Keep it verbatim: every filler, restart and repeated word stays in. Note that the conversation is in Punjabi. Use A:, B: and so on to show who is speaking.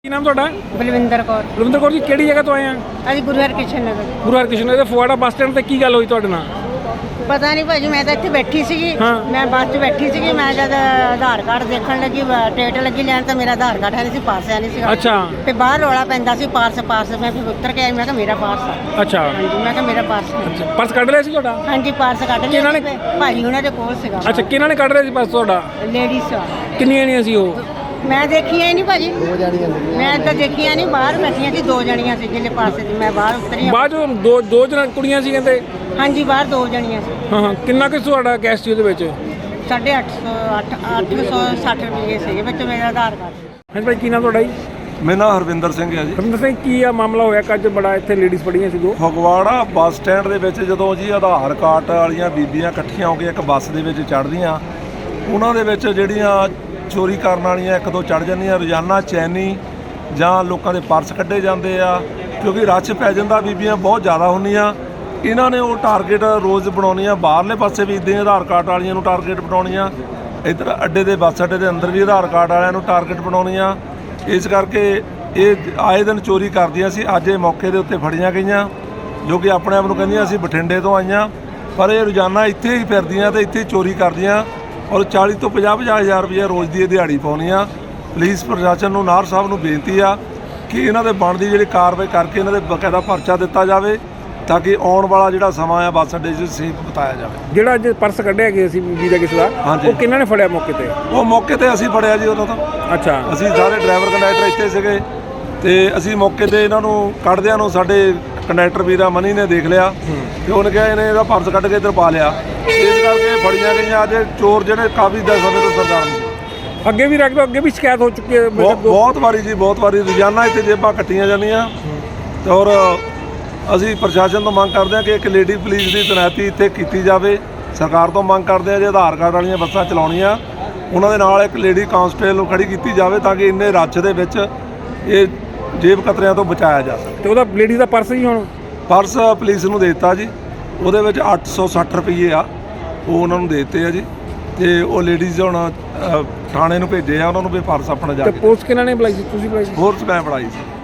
A: ਕੀ ਨਾਮ ਤੁਹਾਡਾ?
B: ਬਲਵਿੰਦਰ ਕੌਰ।
A: ਬਲਵਿੰਦਰ ਕੌਰ ਜੀ, ਕਿਹੜੀ ਜਗ੍ਹਾ ਤੋਂ ਆਏ ਆ?
B: ਅਸੀਂ ਗੁਰੂ ਹਰਕ੍ਰਿਸ਼ਨ ਨਗਰ।
A: ਗੁਰੂ ਹਰਕ੍ਰਿਸ਼ਨ ਨਗਰ ਦੇ ਫੁਆੜਾ ਬੱਸ ਸਟੈਂਡ ਤੇ ਕੀ ਗੱਲ ਹੋਈ ਤੁਹਾਡੇ ਨਾਲ?
B: ਪਤਾ ਨਹੀਂ ਭਾਜੀ, ਮੈਂ ਤਾਂ ਇੱਥੇ ਬੈਠੀ ਸੀਗੀ।
A: ਹਾਂ।
B: ਮੈਂ ਬੱਸ 'ਚ ਬੈਠੀ ਸੀਗੀ। ਮੈਂ ਜਦ ਆਧਾਰ ਕਾਰਡ ਦੇਖਣ ਲੱਗੀ, ਟਿਕਟ ਲੱਗੀ ਲੈਣ, ਤਾਂ ਮੇਰਾ ਆਧਾਰ ਕਾਰਡ ਹੈ ਨਹੀਂ ਸੀ, ਪਾਸ ਹੈ ਨਹੀਂ ਸੀ।
A: ਅੱਛਾ।
B: ਤੇ ਬਾਹਰ ਰੌਲਾ ਪੈਂਦਾ ਸੀ, ਪਾਰਸ ਪਾਰਸ। ਮੈਂ ਫਿਰ ਉੱਤਰ ਕੇ ਆਈ, ਮੈਂ ਕਿਹਾ ਮੇਰਾ ਪਾਰਸ ਆ।
A: ਅੱਛਾ।
B: ਹਾਂਜੀ, ਮੈਂ ਕਿਹਾ ਮੇਰਾ ਪਾਰਸ ਹੈ।
A: ਅੱਛਾ, ਪਰਸ ਕੱਢ ਲਿਆ ਸੀ ਤੁਹਾਡਾ?
B: ਹਾਂਜੀ, ਪਾਰਸ ਕੱਢ ਲਿਆ।
A: ਕਿਹਨਾਂ ਨੇ?
B: ਭਾਜੀ ਉਹਨਾਂ ਦੇ ਕੋਲ ਸੀਗਾ।
A: ਅੱਛਾ, ਕਿਹਨਾਂ ਨੇ ਕੱਢ ਲਿਆ ਸੀ ਪਰਸ ਤੁਹਾਡਾ?
B: ਲੇਡੀਜ਼ ਆ।
A: ਕਿੰਨੀਆਂ ਜਣੀਆਂ ਸੀ ਉਹ?
B: ਮੈਂ ਦੇਖੀਆਂ ਹੀ ਨਹੀਂ ਭਾਜੀ। ਦੋ ਜਣੀਆਂ ਮੈਂ ਤਾਂ ਦੇਖੀਆਂ ਨਹੀਂ, ਬਾਹਰ ਬੈਠੀਆਂ ਸੀ, ਦੋ ਜਣੀਆਂ ਸੀ ਜਿਹਦੇ ਪਾਸੇ ਦੀ। ਮੈਂ ਬਾਹਰ ਉਤਰੀ।
A: ਬਾਅਦ ਚੋਂ ਦੋ ਦੋ ਜਣ ਕੁੜੀਆਂ ਸੀ ਕਹਿੰਦੇ?
B: ਹਾਂਜੀ, ਬਾਹਰ ਦੋ ਜਣੀਆਂ ਸੀ।
A: ਹਾਂ ਹਾਂ, ਕਿੰਨਾ ਕੁ ਤੁਹਾਡਾ ਕੈਸ਼ ਸੀ ਉਹਦੇ ਵਿੱਚ?
B: ਸਾਢੇ ਅੱਠ ਸੌ ਅੱਠ ਅੱਠ ਸੌ ਸੱਠ ਰੁਪਏ ਸੀਗੇ ਵਿੱਚ ਮੇਰਾ ਆਧਾਰ ਕਾਰਡ।
A: ਹਾਂਜੀ ਭਾਈ, ਕੀ ਨਾਮ ਤੁਹਾਡਾ ਜੀ?
C: ਮੇਰਾ ਨਾਮ ਹਰਵਿੰਦਰ ਸਿੰਘ ਹੈ ਜੀ।
A: ਹਰਵਿੰਦਰ ਸਿੰਘ, ਕੀ ਆ ਮਾਮਲਾ ਹੋਇਆ ਕਿ ਅੱਜ ਬੜਾ ਇੱਥੇ ਲੇਡੀਜ਼ ਪੜੀਆਂ ਸੀ ਦੋ?
C: ਫਗਵਾੜਾ ਬੱਸ ਸਟੈਂਡ ਦੇ ਵਿੱਚ ਜਦੋਂ ਜੀ ਆਧਾਰ ਕਾਰਡ ਵਾਲੀਆਂ ਬੀਬੀਆਂ ਇਕੱਠੀਆਂ ਹੋ ਕੇ ਇੱਕ ਬੱਸ ਦੇ ਵਿੱਚ ਚੜ੍ਹਦੀਆਂ, ਉਹਨਾਂ ਦੇ ਵਿੱਚ ਜਿਹੜੀਆਂ ਚੋਰੀ ਕਰਨ ਵਾਲੀਆਂ ਇੱਕ ਦੋ ਚੜ੍ਹ ਜਾਂਦੀਆਂ। ਰੋਜ਼ਾਨਾ ਚੈਨੀ ਜਾਂ ਲੋਕਾਂ ਦੇ ਪਰਸ ਕੱਢੇ ਜਾਂਦੇ ਆ, ਕਿਉਂਕਿ ਰੱਛ ਪੈ ਜਾਂਦਾ, ਬੀਬੀਆਂ ਬਹੁਤ ਜ਼ਿਆਦਾ ਹੁੰਦੀਆਂ। ਇਹਨਾਂ ਨੇ ਉਹ ਟਾਰਗੇਟ ਰੋਜ਼ ਬਣਾਉਣੀਆਂ, ਬਾਹਰਲੇ ਪਾਸੇ ਵੀ ਇੱਦਾਂ ਆਧਾਰ ਕਾਰਡ ਵਾਲੀਆਂ ਨੂੰ ਟਾਰਗੇਟ ਬਣਾਉਣੀਆਂ, ਇੱਧਰ ਅੱਡੇ ਦੇ ਬੱਸ ਅੱਡੇ ਦੇ ਅੰਦਰ ਵੀ ਆਧਾਰ ਕਾਰਡ ਵਾਲਿਆਂ ਨੂੰ ਟਾਰਗੇਟ ਬਣਾਉਣੀਆਂ। ਇਸ ਕਰਕੇ ਇਹ ਆਏ ਦਿਨ ਚੋਰੀ ਕਰਦੀਆਂ ਸੀ। ਅੱਜ ਇਹ ਮੌਕੇ ਦੇ ਉੱਤੇ ਫੜੀਆਂ ਗਈਆਂ, ਜੋ ਕਿ ਆਪਣੇ ਆਪ ਨੂੰ ਕਹਿੰਦੀਆਂ ਅਸੀਂ ਬਠਿੰਡੇ ਤੋਂ ਆਈਆਂ, ਪਰ ਇਹ ਰੋਜ਼ਾਨਾ ਇੱਥੇ ਹੀ ਫਿਰਦੀਆਂ ਤੇ ਇੱਥੇ ਹੀ ਚੋਰੀ ਕਰਦੀਆਂ ਔਰ ਚਾਲੀ ਤੋਂ ਪੰਜਾਹ ਪੰਜਾਹ ਹਜ਼ਾਰ ਰੁਪਏ ਰੋਜ਼ ਦੀ ਇਹ ਦਿਹਾੜੀ ਪਾਉਂਦੀਆਂ। ਪੁਲਿਸ ਪ੍ਰਸ਼ਾਸਨ ਨੂੰ, ਨਾਹਰ ਸਾਹਿਬ ਨੂੰ ਬੇਨਤੀ ਆ ਕਿ ਇਹਨਾਂ ਦੇ ਬਣਦੀ ਜਿਹੜੀ ਕਾਰਵਾਈ ਕਰਕੇ ਇਹਨਾਂ ਦੇ ਬਕਾਇਦਾ ਪਰਚਾ ਦਿੱਤਾ ਜਾਵੇ, ਤਾਂ ਕਿ ਆਉਣ ਵਾਲਾ ਜਿਹੜਾ ਸਮਾਂ ਆ ਬੱਸ ਅੱਡੇ 'ਚ ਸੇਫ ਬਿਤਾਇਆ ਜਾਵੇ।
A: ਜਿਹੜਾ ਅੱਜ ਪਰਸ ਕੱਢਿਆ ਗਿਆ ਸੀ ਬੀਬੀ ਦਾ ਕਿਸੇ ਦਾ, ਉਹ ਕਿਹਨਾਂ ਨੇ ਫੜਿਆ ਮੌਕੇ ਤੇ?
C: ਉਹ ਮੌਕੇ ਤੇ ਅਸੀਂ ਫੜਿਆ ਜੀ ਉਦੋਂ ਤਾਂ।
A: ਅੱਛਾ।
C: ਅਸੀਂ ਸਾਰੇ ਡਰਾਈਵਰ ਕੰਡਕਟਰ ਇੱਥੇ ਸੀਗੇ ਤੇ ਅਸੀਂ ਮੌਕੇ ਤੇ ਇਹਨਾਂ ਨੂੰ ਕੱਢਦਿਆਂ ਨੂੰ ਸਾਡੇ ਕੰਡਕਟਰ ਵੀਰਾ ਮਨੀ ਨੇ ਦੇਖ ਲਿਆ ਤੇ ਉਹਨੇ ਕਿਹਾ ਇਹਨੇ ਇਹਦਾ ਪਰਸ ਕੱਢ ਕੇ ਇੱਧਰ ਪਾ ਲਿਆ। ਇਸ ਕਰਕੇ ਫੜੀਆਂ ਗਈਆਂ। ਅੱਜ ਚੋਰ ਜਿਹੜੇ ਕਾਫੀ ਦਾ ਸਮੇਂ ਤੋਂ ਸਰਕਾਰ ਨੂੰ
A: ਅੱਗੇ ਵੀ ਰੱਖ ਦੋ, ਅੱਗੇ ਵੀ ਸ਼ਿਕਾਇਤ ਹੋ ਚੁੱਕੀ ਹੈ
C: ਬਹੁਤ ਵਾਰੀ ਜੀ, ਬਹੁਤ ਵਾਰੀ ਰੋਜ਼ਾਨਾ ਇੱਥੇ ਜੇਬਾਂ ਕੱਟੀਆਂ ਜਾਂਦੀਆਂ। ਤੇ ਔਰ ਅਸੀਂ ਪ੍ਰਸ਼ਾਸਨ ਤੋਂ ਮੰਗ ਕਰਦੇ ਹਾਂ ਕਿ ਇੱਕ ਲੇਡੀ ਪੁਲਿਸ ਦੀ ਤੈਨਾਤੀ ਇੱਥੇ ਕੀਤੀ ਜਾਵੇ। ਸਰਕਾਰ ਤੋਂ ਮੰਗ ਕਰਦੇ ਹਾਂ ਜੇ ਆਧਾਰ ਕਾਰਡ ਵਾਲੀਆਂ ਬੱਸਾਂ ਚਲਾਉਣੀਆਂ, ਉਹਨਾਂ ਦੇ ਨਾਲ ਇੱਕ ਲੇਡੀ ਕਾਂਸਟੇਬਲ ਨੂੰ ਖੜੀ ਕੀਤੀ ਜਾਵੇ, ਤਾਂ ਕਿ ਇੰਨੇ ਰੱਛ ਦੇ ਵਿੱਚ ਇਹ ਜੇਬ ਕਤਰਿਆਂ ਤੋਂ ਬਚਾਇਆ ਜਾ ਸਕੇ।
A: ਤੇ ਉਹਦਾ ਲੇਡੀ ਦਾ ਪਰਸ ਹੀ ਹੁਣ
C: ਪਰਸ ਪੁਲਿਸ ਨੂੰ ਦੇ ਦਿੱਤਾ ਜੀ, ਉਹਦੇ ਵਿੱਚ ਅੱਠ ਸੌ ਸੱਠ ਰੁਪਈਏ ਆ, ਉਹ ਉਹਨਾਂ ਨੂੰ ਦੇ ਦਿੱਤੇ ਆ ਜੀ। ਤੇ ਉਹ ਲੇਡੀਜ਼ ਹੁਣ ਥਾਣੇ ਨੂੰ ਭੇਜੇ ਆ, ਉਹਨਾਂ ਨੂੰ ਵੀ ਪਰਸ ਆਪਣਾ ਜਾ ਕੇ।
A: ਪੁਲਿਸ ਕਿਹਨਾਂ ਨੇ ਬੁਲਾਈ ਸੀ? ਤੁਸੀਂ ਬੁਲਾਈ ਸੀ?
C: ਫੋਰਸ ਮੈਂ ਫੜਾਈ ਸੀ।